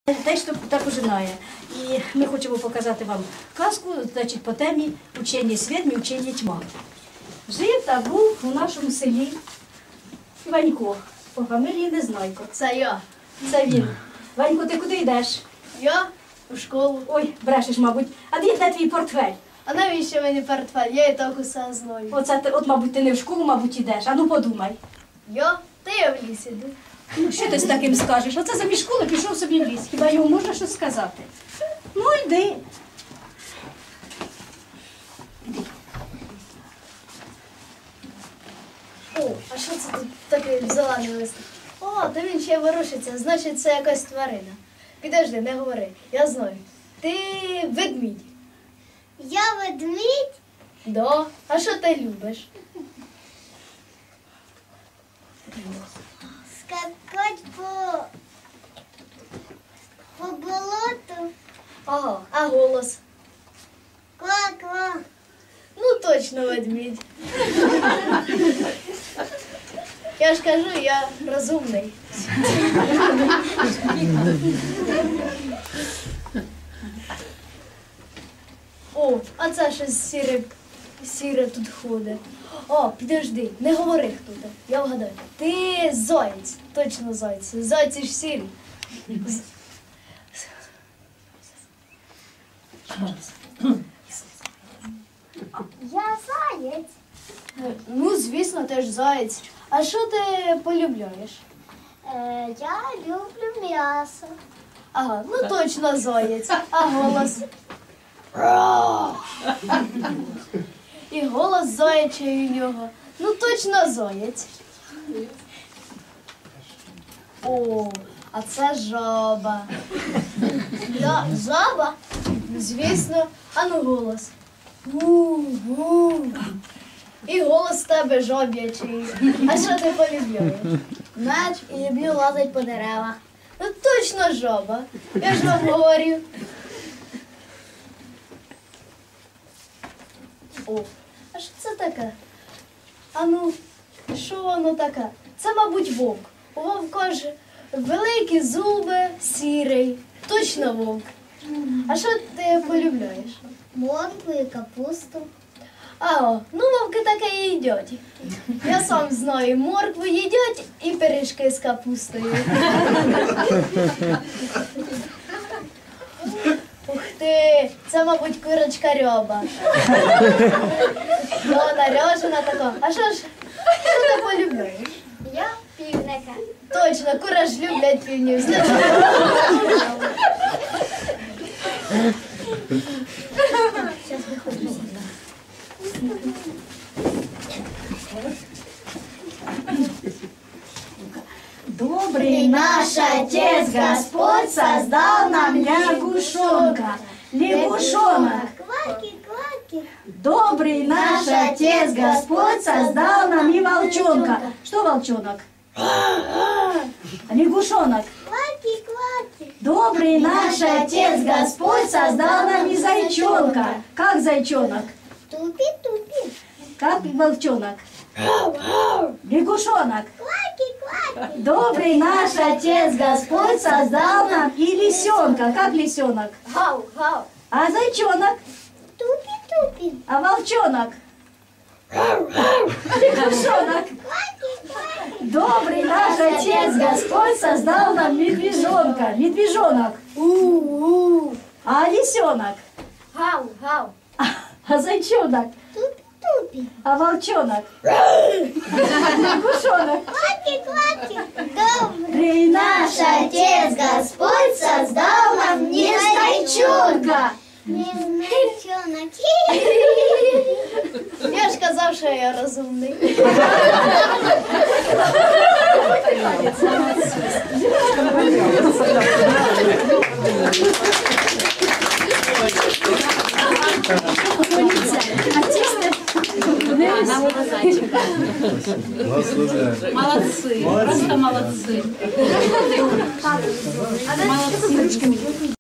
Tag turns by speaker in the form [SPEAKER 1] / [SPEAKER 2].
[SPEAKER 1] Теж також знає. І ми хочемо показати вам казку, значить, по темі «Учення світ, учення тьма». Жив та був у нашому селі Ванько, по фамілії Незнайко.
[SPEAKER 2] Це я.
[SPEAKER 1] Це він. Ванько, ти куди йдеш?
[SPEAKER 2] Я у школу.
[SPEAKER 1] Ой, брешеш, мабуть. А де твій портфель?
[SPEAKER 2] А навіщо мені портфель? Я і так усе знаю.
[SPEAKER 1] От, мабуть, ти не в школу, мабуть, йдеш. А ну подумай.
[SPEAKER 2] Я? Та я в ліс іду.
[SPEAKER 1] Ну, що ти з таким скажеш? Оце замість школи пішов собі в ліс. Хіба йому можна щось сказати? Ну, йди.
[SPEAKER 2] О, а що це тут такий зелений лист? О, та він ще ворушиться, значить це якась тварина. Підожди, не говори, я знаю. Ти ведмідь.
[SPEAKER 3] Я ведмідь?
[SPEAKER 2] Да. А що ти любиш?
[SPEAKER 3] Скакать по болоту.
[SPEAKER 2] Ага, а голос?
[SPEAKER 3] Ква-ква.
[SPEAKER 2] Ну точно ведмідь. Я ж кажу, я розумний. О, а це щось сіре тут ходить. О, підожди, не говори хто ти. Я вгадаю. Ти заєць, точно заєць. Зайці ж сірі.
[SPEAKER 3] Я заєць.
[SPEAKER 2] Ну, звісно, ти ж заєць. А що ти полюбляєш?
[SPEAKER 3] Я люблю м'ясо.
[SPEAKER 2] Ага, ну точно заєць. А голос? І голос заячий у нього. Ну точно заєць. О, а це жаба. Я жаба? Звісно. А ну голос. Гу-гу. І голос в тебе жаб'ячий. А що ти полюбляєш?
[SPEAKER 3] Меч і люблю лазити по деревах.
[SPEAKER 2] Ну точно жаба. Я ж вам говорю. О, а що це таке? А ну, що воно таке? Це, мабуть, вовк. У вовка ж великі зуби, сірий. Точно вовк. А що ти полюбляєш?
[SPEAKER 3] Моркву і капусту.
[SPEAKER 2] А, ну вовки таке і їдять. Я сам знаю, моркву їдять і пиріжки з капустою. Ух ти, це, мабуть, курочка рьоба. Вона ряжена така. А що ти полюбляєш?
[SPEAKER 3] Я півника.
[SPEAKER 2] Точно, кури ж люблять півнів.
[SPEAKER 3] Зараз виходжу.
[SPEAKER 1] Добрый наш Отец Господь создал нам лягушонка. Лягушонок.
[SPEAKER 3] Кваки-кваки.
[SPEAKER 1] Добрый наш Отец Господь создал нам и волчонка. Что волчонок? Лягушонок.
[SPEAKER 3] Кваки-кваки.
[SPEAKER 1] Добрый наш Отец Господь создал нам и зайчонка. Как зайчонок?
[SPEAKER 3] Тупи-тупи.
[SPEAKER 1] Как волчонок? Лягушонок.
[SPEAKER 3] Кваки-кваки.
[SPEAKER 1] Добрый наш Отец Господь создал нам и лисенка. Как лисенок?
[SPEAKER 2] Гау, гау.
[SPEAKER 1] А зайчонок?
[SPEAKER 3] Тупи-тупи.
[SPEAKER 1] А волчонок? Лягушонок.
[SPEAKER 3] Кваки-кваки.
[SPEAKER 1] Добрый наш Отец Господь создал нам медвежонка. Медвежонок.
[SPEAKER 2] У-у.
[SPEAKER 1] А лисенок?
[SPEAKER 2] Гау, гау.
[SPEAKER 1] А зайчонок?
[SPEAKER 3] Тупи-тупи.
[SPEAKER 1] А волчонок? Лягушонок.
[SPEAKER 3] Кваки-кваки.
[SPEAKER 1] Добрый наш Отец Господь создал нам незнайчонка.
[SPEAKER 3] Незнайчонок.
[SPEAKER 2] Я ж казав, що я розумний.
[SPEAKER 4] Молодцы, просто молодцы. Молодцы.